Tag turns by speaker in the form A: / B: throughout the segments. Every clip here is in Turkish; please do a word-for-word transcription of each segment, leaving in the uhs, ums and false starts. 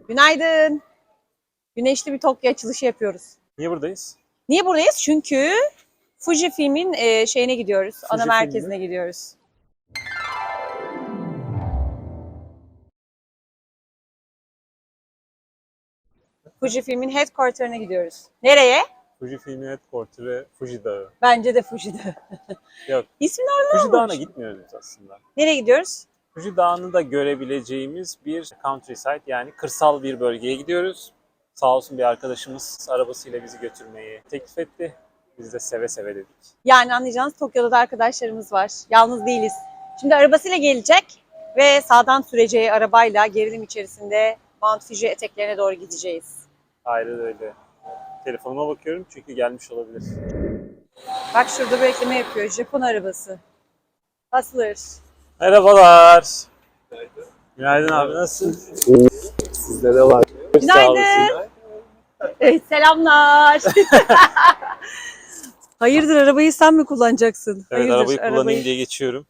A: Günaydın. Güneşli bir Tokyo açılışı yapıyoruz.
B: Niye buradayız?
A: Niye buradayız? Çünkü Fujifilm'in e, şeyine gidiyoruz. Ana
B: Fujifilm
A: merkezine
B: mi?
A: gidiyoruz. Fujifilm'in headquarter'ına gidiyoruz. Nereye?
B: Fujifilm Headquarter'ı Fuji Dağı.
A: Bence de Fuji'de.
B: Yok,
A: İsmin orada
B: Fuji
A: olmuş.
B: Dağı'na gitmiyoruz aslında.
A: Nereye gidiyoruz?
B: Fuji Dağı'nı da görebileceğimiz bir countryside, yani kırsal bir bölgeye gidiyoruz. Sağ olsun bir arkadaşımız arabasıyla bizi götürmeyi teklif etti. Biz de seve seve dedik.
A: Yani anlayacağınız Tokyo'da da arkadaşlarımız var. Yalnız değiliz. Şimdi arabasıyla gelecek ve sağdan süreceği arabayla gerilim içerisinde Mount Fuji eteklerine doğru gideceğiz.
B: Aynen öyle. Telefonuma bakıyorum çünkü gelmiş olabilir.
A: Bak şurada bir ekleme yapıyor. Japon arabası. Hustler.
B: Merhabalar. Günaydın. Günaydın abi, nasılsın?
C: Sizde de var.
A: Günaydın. Evet, selamlar. Hayırdır, arabayı sen mi kullanacaksın?
B: Evet,
A: Hayırdır,
B: arabayı kullanayım diye geçiyorum.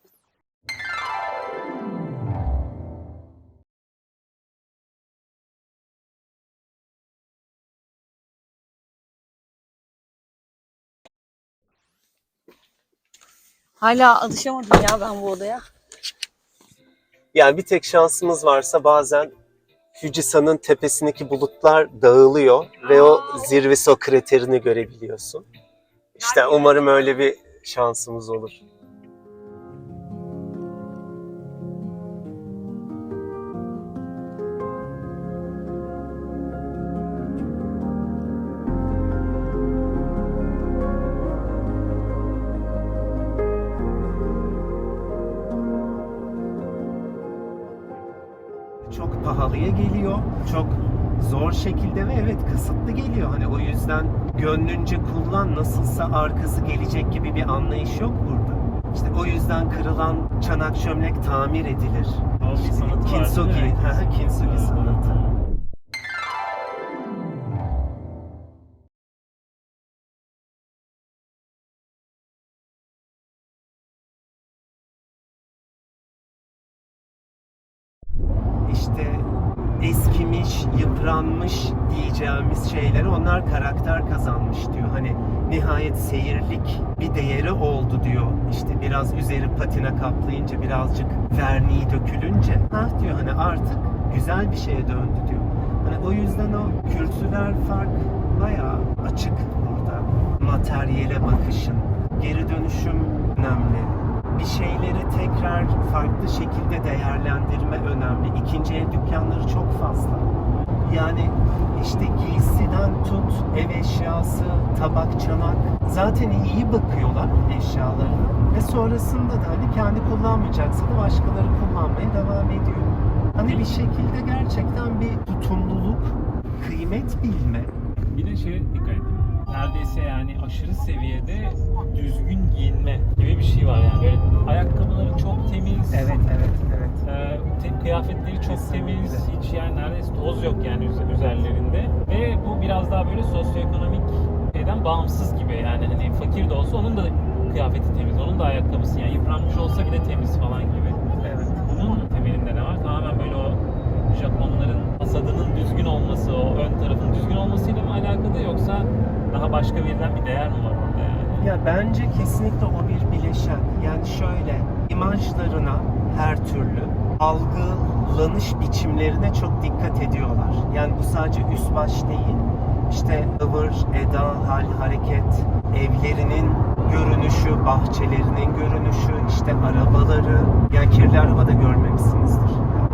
A: Hala alışamadım ya ben bu odaya.
C: Yani bir tek şansımız varsa bazen Fujisan'ın tepesindeki bulutlar dağılıyor ve o zirvesi, o kraterini görebiliyorsun. İşte umarım öyle bir şansımız olur. Çok pahalıya geliyor, çok zor şekilde ve evet kısıtlı geliyor. Hani o yüzden gönlünce kullan, nasılsa arkası gelecek gibi bir anlayış yok burada. İşte o yüzden kırılan çanak çömlek tamir edilir.
B: İşte
C: Kintsugi, Kintsugi sanatı. İşte eskimiş, yıpranmış diyeceğimiz şeyleri onlar karakter kazanmış diyor. Hani nihayet seyirlik bir değeri oldu diyor. İşte biraz üzeri patina kaplayınca, birazcık verniği dökülünce, ha diyor hani artık güzel bir şeye döndü diyor. Hani o yüzden o kültürel fark bayağı açık burada. Materyale bakışın, geri dönüşüm önemli. Bir şeyleri tekrar farklı şekilde değerlendirme önemli. İkinci el dükkanları çok fazla. Yani işte giysiden tut, ev eşyası, tabak, çanak. Zaten iyi bakıyorlar eşyalarına. Ve sonrasında da hani kendi kullanmayacaksa da başkaları kullanmaya devam ediyor. Hani bir şekilde gerçekten bir tutumluluk, kıymet bilme.
D: Bir de şeye dikkat edin. Neredeyse yani aşırı seviyede düzgün giyinme gibi bir şey var yani. Böyle ayakkabıları çok temiz.
C: Evet, evet, evet.
D: E, te- kıyafetleri çok temiz. Hiç yani neredeyse toz yok yani üz- üzerlerinde. Ve bu biraz daha böyle sosyoekonomik şeyden bağımsız gibi. Yani hani fakir de olsa onun da kıyafeti temiz, onun da ayakkabısı yani yıpranmış olsa bile temiz falan gibi.
C: Evet.
D: Bunun temelinde ne var? Tamamen böyle o Japonların fasadının düzgün olması, o ön tarafın düzgün olmasıyla mı alakalı yoksa daha başka verilen bir değer mi var orada yani?
C: Ya bence kesinlikle o bir bileşen. Yani şöyle, imajlarına her türlü algılanış biçimlerine çok dikkat ediyorlar. Yani bu sadece üst baş değil. İşte ıvır, eda, hal, hareket, evlerinin görünüşü, bahçelerinin görünüşü, işte arabaları. Yani kirli araba da görmemişsinizdir.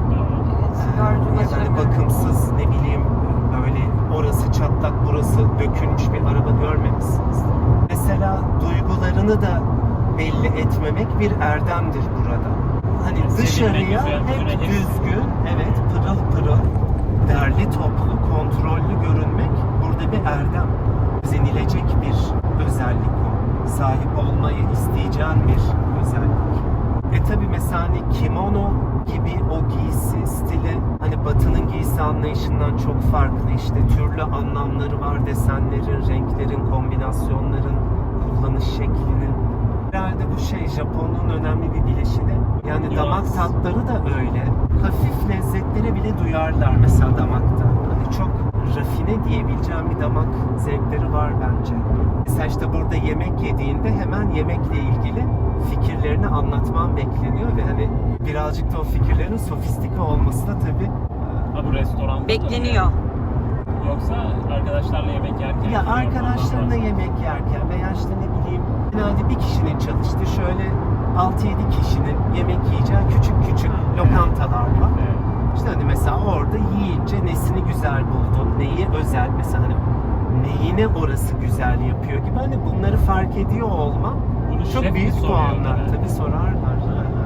C: Yani bakımsız, ne bileyim, böyle orası çatlak, burası dökülmüş bir araba görmemişsiniz. Mesela duygularını da belli etmemek bir erdemdir burada. Hani
D: Yani
C: dışarıya
D: güzel,
C: hep
D: güzel,
C: düzgün, evet pırıl pırıl, derli toplu, kontrollü görünmek burada bir erdem. Özenilecek bir özellik o. Sahip olmayı isteyeceğin bir özellik. E tabi mesela hani kimono gibi o giysi stili hani Batı'nın giysi anlayışından çok farklı. İşte türlü anlamları var, desenlerin, renklerin, kombinasyonların, kullanış şeklinin. Herhalde bu şey Japonluğun önemli bir bileşeni. Yani
D: Nüans.
C: damak tatları da öyle. Hafif lezzetlere bile duyarlar mesela damakta. Hani çok rafine diyebileceğim bir damak zevkleri var bence. Mesela işte burada yemek yediğinde hemen yemekle ilgili fikirlerini anlatman bekleniyor ve hani birazcık da o fikirlerin sofistike olması da tabii
D: Ha, bu restoranda da
A: Bekleniyor.
D: mı? Yoksa arkadaşlarla yemek yerken?
C: ya
D: mi?
C: arkadaşlarınla yemek yerken veya işte ne bileyim genelde bir kişinin çalıştığı şöyle altı yedi kişinin yemek yiyeceği küçük küçük lokantalar var.
D: Evet.
C: İşte hani mesela orada yiyince nesini güzel buldun, neyi özel mesela hani neyine orası güzel yapıyor gibi hani bunları fark ediyor olma
D: Bunu
C: çok
D: şef mi
C: büyük
D: soruyor
C: puanlar.
D: genelde?
C: Tabii sorarlar.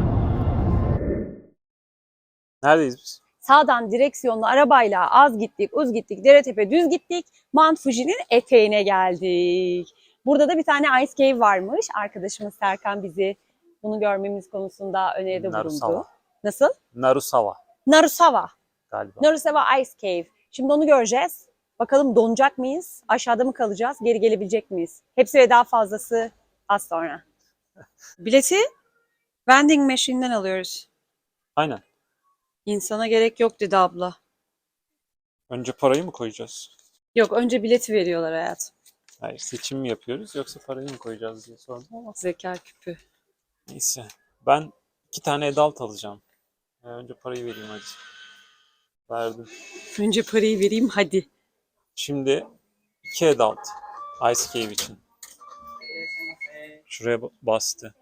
B: Neredeyiz biz?
A: Sağdan direksiyonlu arabayla az gittik, uz gittik, dere tepe düz gittik. Mount Fuji'nin eteğine geldik. Burada da bir tane Ice Cave varmış. Arkadaşımız Serkan bizi bunu görmemiz konusunda öneride bulundu.
B: Narusawa.
A: Nasıl?
B: Narusawa
A: Narusawa.
B: galiba.
A: Narusawa Ice Cave. Şimdi onu göreceğiz. Bakalım donacak mıyız? Aşağıda mı kalacağız? Geri gelebilecek miyiz? Hepsi ve daha fazlası az sonra. Bileti vending machine'den alıyoruz.
B: Aynen.
A: İnsana gerek yok dedi abla.
B: Önce parayı mı koyacağız?
A: Yok, önce bileti veriyorlar hayatım.
B: Hayır, seçim mi yapıyoruz yoksa parayı mı koyacağız diye sordum ama.
A: Zeka küpü.
B: Neyse. Ben iki tane adult alacağım. Ee, önce parayı vereyim hadi. Verdim.
A: Önce parayı vereyim hadi.
B: Şimdi iki adult. Ice Cave için. Şuraya ba- bastı.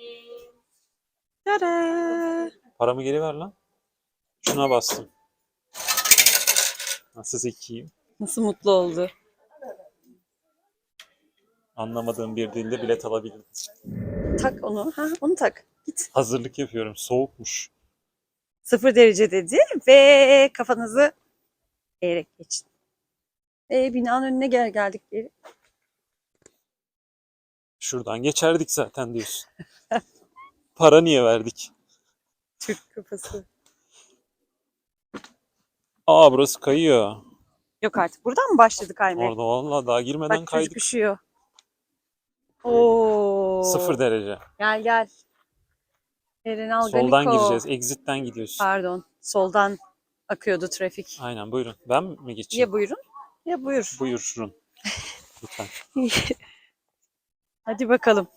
A: Tada!
B: Paramı geri ver lan. Şuna bastım. Nasıl zekiyim?
A: Nasıl mutlu oldu.
B: Anlamadığım bir dilde bilet alabildim.
A: Tak onu. Ha, onu tak. Git.
B: Hazırlık yapıyorum. Soğukmuş.
A: Sıfır derece dedi ve kafanızı eğerek geçin. E, binanın önüne gel geldik geri.
B: Şuradan geçerdik zaten diyorsun. Para niye verdik?
A: Türk kafası.
B: Aa, burası kayıyor.
A: Yok artık. Buradan mı başladı kaymaya?
B: Orada vallahi daha girmeden
A: Bak çocuk
B: kaydık.
A: üşüyor. Oo.
B: Sıfır derece.
A: Gel gel. Eren Algaliko.
B: Soldan gireceğiz. Exit'ten gidiyorsun.
A: Pardon. Soldan akıyordu trafik.
B: Aynen, buyurun. Ben mi geçeyim?
A: Ya buyurun ya buyur.
B: Buyurun. Lütfen.
A: Hadi bakalım.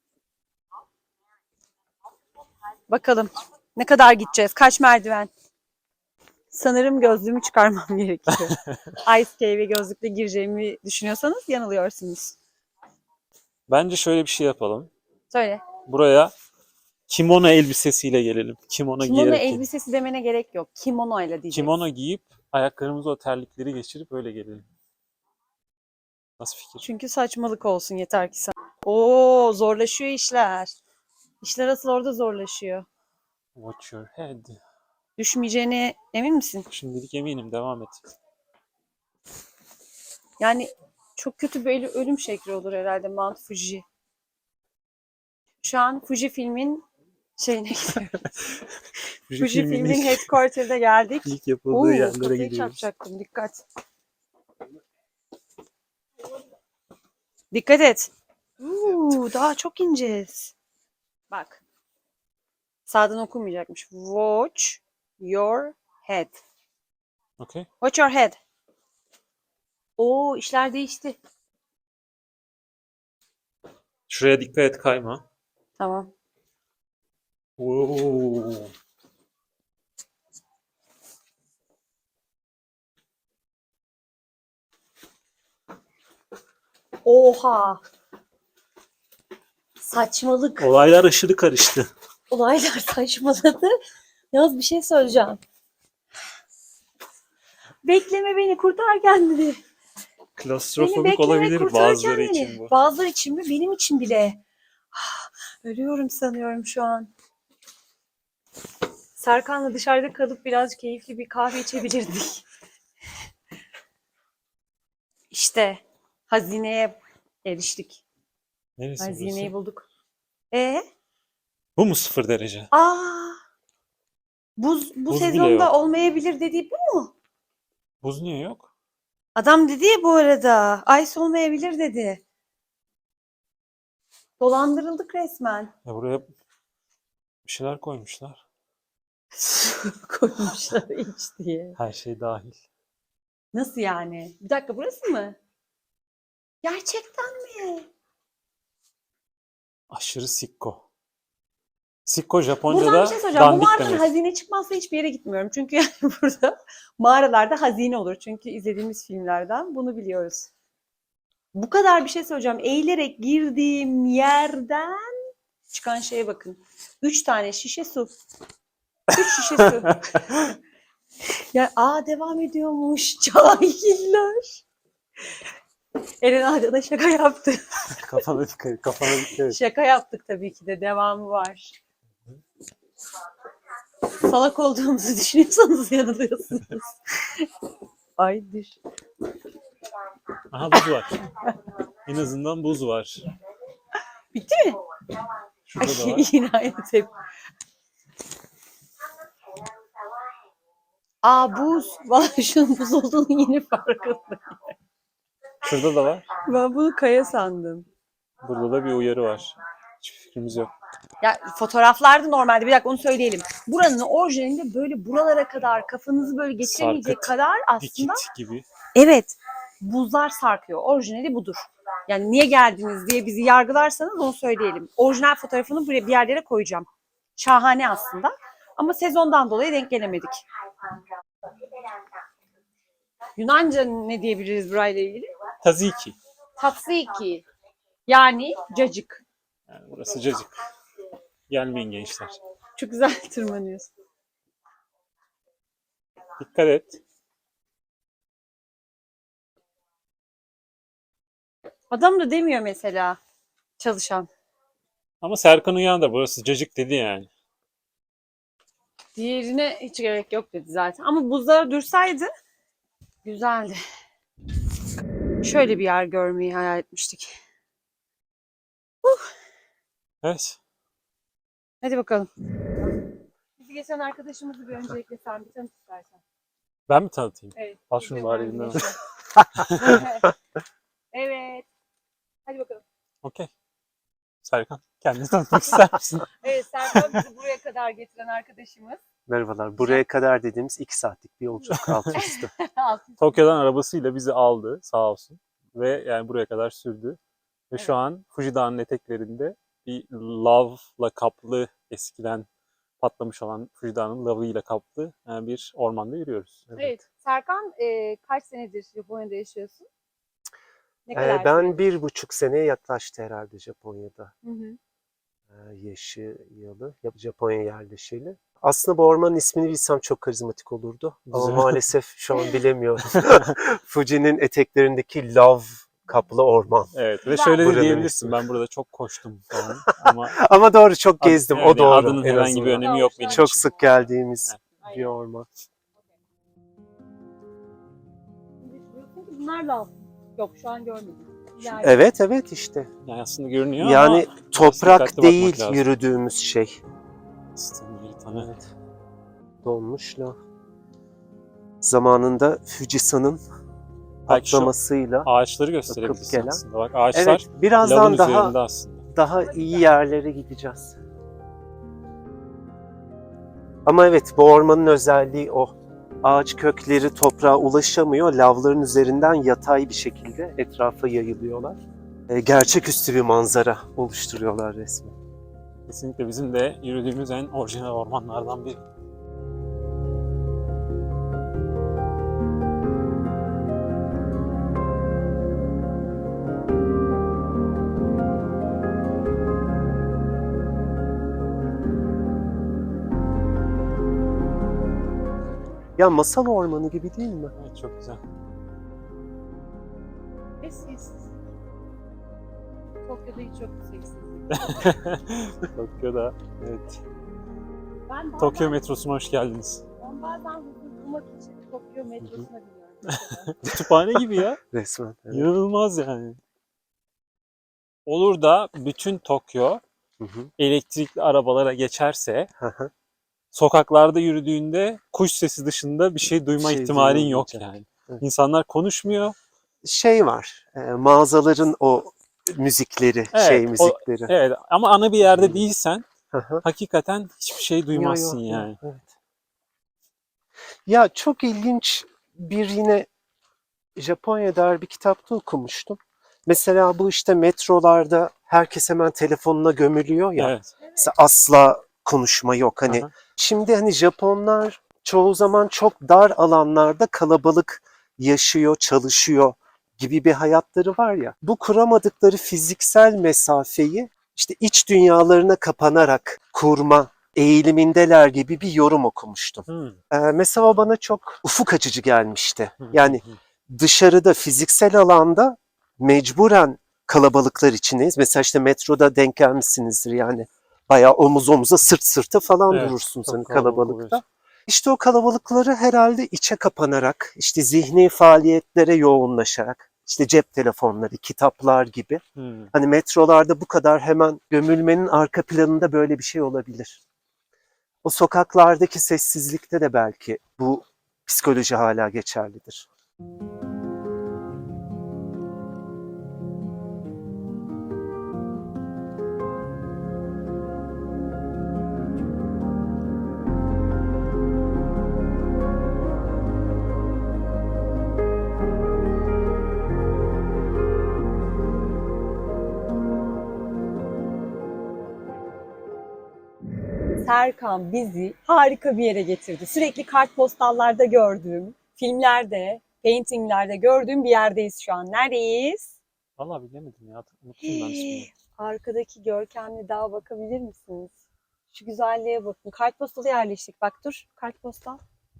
A: Bakalım. Ne kadar gideceğiz? Kaç merdiven? Sanırım gözlüğümü çıkarmam gerekiyor. Ice Cave'e gözlükle gireceğimi düşünüyorsanız yanılıyorsunuz.
B: Bence şöyle bir şey yapalım.
A: Söyle.
B: Buraya kimono elbisesiyle gelelim. Kimono,
A: Kimono
B: giyerek gelelim.
A: elbisesi demene gerek yok. Kimono ile diyeceksin.
B: Kimono giyip ayaklarımıza o terlikleri geçirip öyle gelelim. Nasıl fikir?
A: Çünkü saçmalık olsun yeter ki sen. Oo, zorlaşıyor işler. İşler asıl orada zorlaşıyor.
B: Watch your head.
A: Düşmeyeceğine emin misin?
B: Şimdilik eminim, devam et.
A: Yani çok kötü bir ölüm şekli olur herhalde Mount Fuji. Şu an Fuji filmin şeyine gidiyoruz. Fuji filmin
B: ilk,
A: headquarter'da geldik.
B: ilk yapıldığı
A: Oo,
B: yerlere
A: kafayı
B: gidiyoruz.
A: çarpacaktım. Dikkat. Dikkat et. Uuu, daha çok ineceğiz. Bak. Sağdan okunmayacakmış. Watch your head.
B: Okay.
A: Watch your head. Oo, işler değişti.
B: Şuraya dikkat et, kayma.
A: Tamam.
B: Oo.
A: Oha. Saçmalık.
B: Olaylar aşırı karıştı.
A: Olaylar saçmaladı. Yalnız bir şey söyleyeceğim. Bekleme beni, kurtar kendini. Beni
B: Klostrofobik
A: bekleme,
B: olabilir
A: kurtar
B: bazıları
A: kendini.
B: için bu.
A: Bazıları için mi? Benim için bile. Ah, ölüyorum sanıyorum şu an. Serkan'la dışarıda kalıp biraz keyifli bir kahve içebilirdik. İşte hazineye eriştik.
B: Neresi
A: Hazineyi
B: burası?
A: bulduk. E?
B: Bu mu sıfır derece?
A: Aa! Buz bu
B: Buz bile
A: sezonda
B: yok.
A: olmayabilir dediği bu mu?
B: Buz niye yok?
A: Adam dedi ya bu arada. Ice olmayabilir dedi. Dolandırıldık resmen.
B: Ya buraya bir şeyler koymuşlar.
A: Koymuşlar iç diye.
B: Her şey dahil.
A: Nasıl yani? Bir dakika, burası mı? Gerçekten mi?
B: Aşırı sikko. Sikko
A: Buradan
B: Japonca'da
A: bir şey soracağım. Bu
B: dandik
A: mağaradan
B: demek.
A: hazine çıkmazsa hiçbir yere gitmiyorum. Çünkü yani burada mağaralarda hazine olur. Çünkü izlediğimiz filmlerden bunu biliyoruz. Bu kadar bir şey söyleyeceğim. Eğilerek girdiğim yerden çıkan şeye bakın. Üç tane şişe su. Üç şişe su. Ya aa devam ediyormuş. Cahiller. Eren Ağca da şaka yaptı.
B: Kafana dikkat et, kafana dikkat et.
A: Şaka yaptık tabii ki de. Devamı var. Salak olduğumuzu düşünüyorsanız yanılıyorsunuz. Ay düş.
B: Aha buz var. En azından buz var.
A: Bitti mi?
B: Şurada da
A: Ay,
B: var.
A: yine aynı tepki. Aa buz. Vallahi şunun buz olduğunu yeni farkındayım.
B: Şurada da var.
A: Ben bunu kaya sandım.
B: Burada da bir uyarı var. Hiçbir fikrimiz yok.
A: Ya fotoğraflarda normalde bir dakika onu söyleyelim. Buranın orijinalinde böyle buralara kadar kafanızı böyle geçiremeyecek
B: Sarkıt,
A: kadar
B: Dikit
A: aslında
B: gibi.
A: evet buzlar sarkıyor. Orijinali budur. Yani niye geldiniz diye bizi yargılarsanız onu söyleyelim. Orijinal fotoğrafını buraya bir yerlere koyacağım. Şahane aslında. Ama sezondan dolayı denk gelemedik. Yunanca ne diyebiliriz burayla ilgili?
B: Taziki.
A: Tatsiki. Yani cacık.
B: Yani burası cacık. Gelmeyin gençler.
A: Çok güzel tırmanıyorsun.
B: Dikkat et.
A: Adam da demiyor mesela çalışan.
B: Ama Serkan Uyan da burası cacık dedi yani.
A: Diğerine hiç gerek yok dedi zaten. Ama buzlara dursaydı güzeldi. Şöyle bir yer görmeyi hayal etmiştik.
B: Evet.
A: Hadi bakalım. Bizi geçen arkadaşımızı bir öncelikle sen bir tanıt istersen.
B: Ben mi tanıtayım?
A: Evet.
B: Al şunu
A: Biz
B: bari
A: de
B: elimden.
A: evet. Evet. Hadi bakalım.
B: Okey. Serkan kendini tanıtmak ister misin?
A: Evet, Serkan bizi buraya kadar getiren arkadaşımız.
C: Merhabalar. Buraya kadar dediğimiz iki saatlik bir yolculuk alt üstü.
B: Tokyo'dan arabasıyla bizi aldı sağ olsun. Ve yani buraya kadar sürdü. Ve
A: Evet.
B: şu an Fuji Dağı'nın eteklerinde bir lavla kaplı, eskiden patlamış olan Fuji Dağı'nın lavıyla kaplı yani bir ormanda yürüyoruz.
A: Evet. Serkan e, kaç senedir Japonya'da yaşıyorsun? Ne
C: Ee,
A: kadar
C: ben
A: süredir?
C: bir buçuk seneye yaklaştı herhalde Japonya'da.
A: Hı hı.
C: Ee, yaşayalı, Japonya yerleşeli. Aslında bu ormanın ismini bilsem çok karizmatik olurdu. Ama
B: Güzel.
C: maalesef şu an bilemiyorum. Fuji'nin eteklerindeki lav kaplı orman.
B: Evet ve
A: Güzel.
B: şöyle de
C: Buranın
B: diyebilirsin,
C: ismi.
B: ben burada çok koştum falan ama
C: Ama doğru, çok gezdim.
B: evet,
C: O
B: yani
C: doğru.
B: adının
C: en
B: herhangi bir
C: azından.
B: önemi yok benim
C: Çok
B: için.
C: sık geldiğimiz
A: Aynen.
C: bir orman.
A: Diyorsun ki bunlar lav. Yok şu an görmedim. Yani
C: Evet evet işte.
B: Yani aslında görünüyor
C: Yani
B: ama
C: toprak
B: dikkatli
C: değil
B: bakmak lazım.
C: yürüdüğümüz şey.
B: aslında bir tane
C: Evet. Donmuş lav. Zamanında Fujisan'ın
B: Belki şu
C: patlamasıyla.
B: ağaçları gösterebilirsin
C: gelen.
B: aslında. Bak ağaçlar
C: Evet,
B: lavın
C: birazdan
B: üzerinde
C: daha
B: aslında.
C: daha iyi yerlere gideceğiz. Ama evet, bu ormanın özelliği o. Ağaç kökleri toprağa ulaşamıyor. Lavların üzerinden yatay bir şekilde etrafa yayılıyorlar. E, gerçeküstü bir manzara oluşturuyorlar resmen.
B: Kesinlikle bizim de yürüdüğümüz en orijinal ormanlardan biri.
C: Ya masal ormanı gibi değil mi?
B: Evet, çok güzel.
A: ve sessiz. Tokyo'da hiç yok sessiz.
B: Tokyo'da. Evet.
A: Ben bazen,
B: Tokyo metrosuna hoş geldiniz.
A: ben bazen huzur bulmak için Tokyo metrosuna biniyorum.
B: Kütüphane gibi ya.
C: Resmen. Evet.
B: İnanılmaz yani. Olur da bütün Tokyo
C: Hı hı.
B: elektrikli arabalara geçerse
C: Hı hı.
B: sokaklarda yürüdüğünde kuş sesi dışında bir şey duyma
C: Bir şey
B: ihtimalin
C: duyulmayacak.
B: yok yani.
C: Evet.
B: İnsanlar konuşmuyor.
C: Şey var, e, mağazaların o müzikleri,
B: Evet,
C: şey
B: o-
C: müzikleri.
B: Evet ama ana bir yerde değilsen
C: Hı hı.
B: hakikaten hiçbir şey duymazsın
C: Yo, yo, yo,
B: yani.
C: evet. Ya çok ilginç bir yine Japonya'da dair bir kitapta okumuştum. Mesela bu işte metrolarda herkes hemen telefonuna gömülüyor ya.
B: Evet.
C: Mesela asla konuşma yok. Hani
B: Aha.
C: şimdi hani Japonlar çoğu zaman çok dar alanlarda kalabalık yaşıyor, çalışıyor gibi bir hayatları var ya. Bu kuramadıkları fiziksel mesafeyi işte iç dünyalarına kapanarak kurma eğilimindeler gibi bir yorum okumuştum.
B: Hmm.
C: Ee, mesela o bana çok ufuk açıcı gelmişti.
B: Hı hı
C: Yani
B: hı.
C: dışarıda fiziksel alanda mecburen kalabalıklar içindeyiz. Mesela işte metroda denk gelmişsinizdir yani. Bayağı omuz omuza sırt sırta falan
B: Evet,
C: durursunuz
B: çok
C: hani
B: kalabalık
C: kalabalıkta.
B: oluyorsun.
C: İşte o kalabalıkları herhalde içe kapanarak, işte zihni faaliyetlere yoğunlaşarak, işte cep telefonları, kitaplar gibi.
B: Hmm.
C: Hani metrolarda bu kadar hemen gömülmenin arka planında böyle bir şey olabilir. O sokaklardaki sessizlikte de belki bu psikoloji hala geçerlidir.
A: Serkan bizi harika bir yere getirdi. Sürekli kartpostallarda gördüğüm, filmlerde, paintinglerde gördüğüm bir yerdeyiz şu an. Neredeyiz?
B: Vallahi bilemedim ya. Unuttum ben ismini.
A: Arkadaki görkemli dağa bakabilir misiniz? Şu güzelliğe bakın. Kartpostalı yerleştik. Bak dur, kartpostal.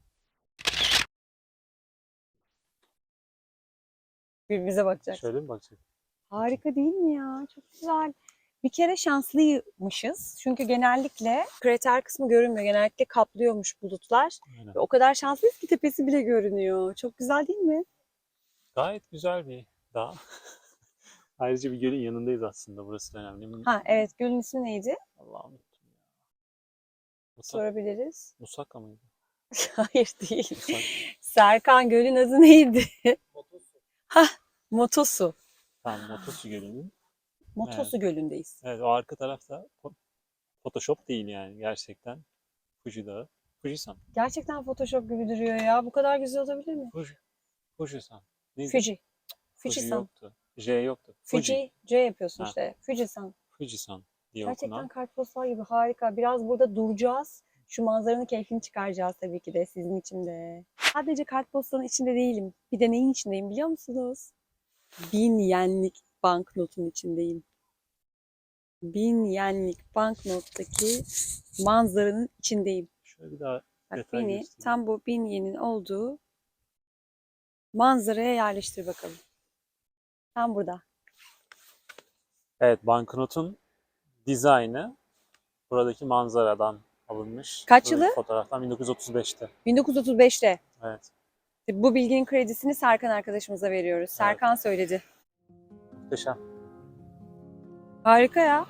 A: Birbirimize bakacağız.
B: Şöyle mi bakacak?
A: Harika değil mi ya? Çok güzel. Bir kere şanslıymışız. Çünkü genellikle krater kısmı görünmüyor. Genellikle kaplıyormuş bulutlar.
B: Aynen.
A: Ve o kadar şanslıyız ki tepesi bile görünüyor. Çok güzel değil mi?
B: Gayet güzel bir dağ. Ayrıca bir gölün yanındayız aslında. Burası da önemli.
A: Ha evet, gölün ismi neydi?
B: Allah'ım unuttum ya. Musak,
A: Sorabiliriz.
B: Musaka mıydı?
A: Hayır değil.
B: Musak.
A: Serkan, gölün adı neydi? Hah, Motosu.
B: Tamam, Motosu Gölü'nün.
A: Motosu Gölü'ndeyiz.
B: Evet, o arka tarafta fo- Photoshop değil yani gerçekten. Fuji Dağı. Fujisan.
A: Gerçekten Photoshop gibi duruyor ya. Bu kadar güzel olabilir mi?
B: Fuji. Fujisan. Neydi?
A: Fuji.
B: Fuji
A: Fujisan.
B: yoktu. J yoktu. Fuji.
A: Fuji. C yapıyorsun
B: Ha.
A: işte. Fujisan.
B: Fujisan diye
A: Gerçekten
B: okunan.
A: kartpostal gibi harika. Biraz burada duracağız. Şu manzaranın keyfini çıkaracağız tabii ki de sizin için de. Sadece kartpostalın içinde değilim. Bir de neyin içindeyim biliyor musunuz? Bin yenlik banknotun içindeyim. Bin yenlik banknottaki manzaranın içindeyim.
B: Şöyle bir daha
A: Bak
B: detay
A: beni
B: göstereyim.
A: tam bu bin yenin olduğu manzaraya yerleştir bakalım. Tam burada.
B: Evet, banknotun dizaynı buradaki manzaradan alınmış.
A: Kaç
B: Buradaki
A: yılı?
B: Fotoğraftan bin dokuz yüz otuz beşte.
A: bin dokuz yüz otuz beşte.
B: Evet.
A: Bu bilginin kredisini Serkan arkadaşımıza veriyoruz. Serkan söyledi.
B: Muhteşem.
A: Harika ya.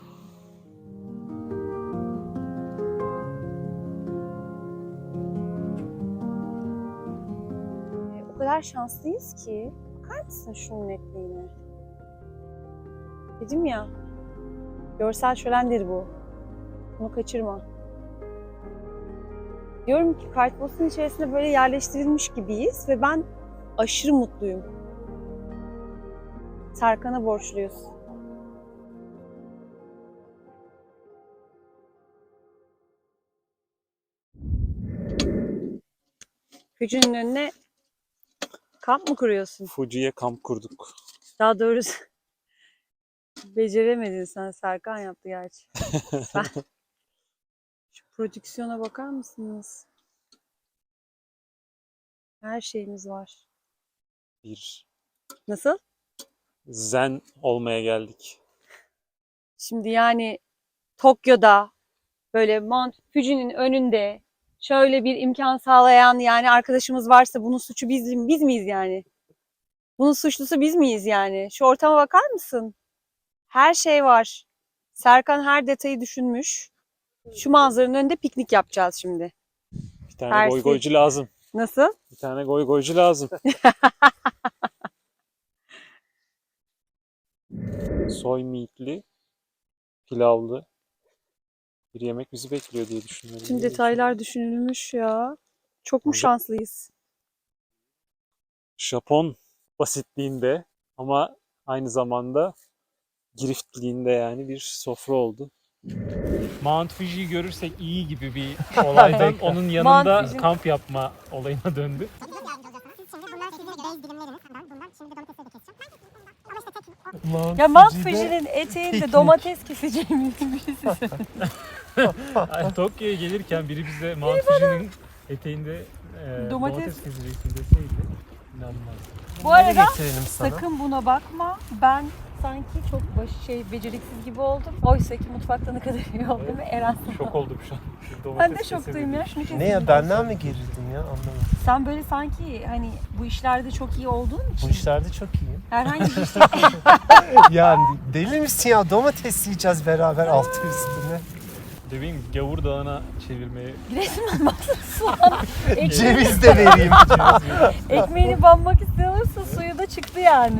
A: E, O kadar şanslıyız ki. Bakar mısın şunun netliğine? Dedim ya. Görsel şölendir bu. Bunu kaçırma. Diyorum ki kartpostalın içerisinde böyle yerleştirilmiş gibiyiz ve ben aşırı mutluyum. Serkan'a borçluyuz. Gücünün önüne kamp mı kuruyorsun?
B: Fuji'ye kamp kurduk.
A: Daha doğrusu beceremedin sen. Serkan yaptı gerçi. Ben... Şu prodüksiyona bakar mısınız? Her şeyimiz var.
B: Bir
A: Nasıl?
B: zen olmaya geldik.
A: Şimdi yani Tokyo'da böyle Mount Fuji'nin önünde şöyle bir imkan sağlayan yani arkadaşımız varsa bunun suçu biz, biz miyiz yani? Bunun suçlusu biz miyiz yani? Şu ortama bakar mısın? Her şey var. Serkan her detayı düşünmüş. Şu manzaranın önünde piknik yapacağız şimdi.
B: Bir tane
A: Tersi.
B: goy goycu lazım.
A: Nasıl?
B: Bir tane goy goycu lazım. soy meatli, pilavlı bir yemek bizi bekliyor diye düşünüyorum.
A: Tüm detaylar düşünülmüş ya. Çok mu
B: Tabii.
A: şanslıyız?
B: Japon basitliğinde ama aynı zamanda giriftliğinde yani bir sofra oldu.
D: Mount Fuji'yi görürsek iyi gibi bir olaydan onun yanında
A: Mount Fuji-
D: kamp yapma olayına döndü.
A: Ya Mount Fuji'nin eteğinde domates keseceğimiz birisi.
D: Ay, Tokyo'ya gelirken biri bize Mount Fuji'nin eteğinde e,
A: Domates-
D: domates, keseceksin deseydi inanmaz.
A: Bu arada
C: getirelim sana.
A: sakın buna bakma. Ben sanki çok baş şey beceriksiz gibi oldum. Oysa ki mutfakta ne kadar iyi oldu değil mi Eren?
D: Şok oldum şu an. Domates
A: Ben de
D: kesemedim.
A: şoktayım ya. Şunu
C: Ne
A: keselim.
C: ya, benden mi gerildim ya, anlamadım.
A: Sen böyle sanki hani bu işlerde çok iyi olduğun için
C: Bu işlerde çok iyiyim.
A: herhangi bir işte
C: Ya deli misin ya, domates yiyeceğiz beraber altı üstüne.
D: Bebeğim Gavur Dağı'na çevirmeye
A: resmen baksana soğan. Ekmeğini,
C: Ceviz de vereyim.
A: ekmeğini banmak istiyorsa suyu da çıktı yani.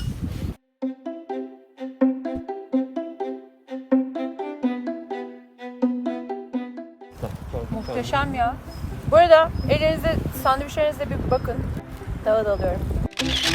A: Muhteşem ya. Bu arada ellerinize, sandviçlerinize bir bakın. Dağı da alıyorum.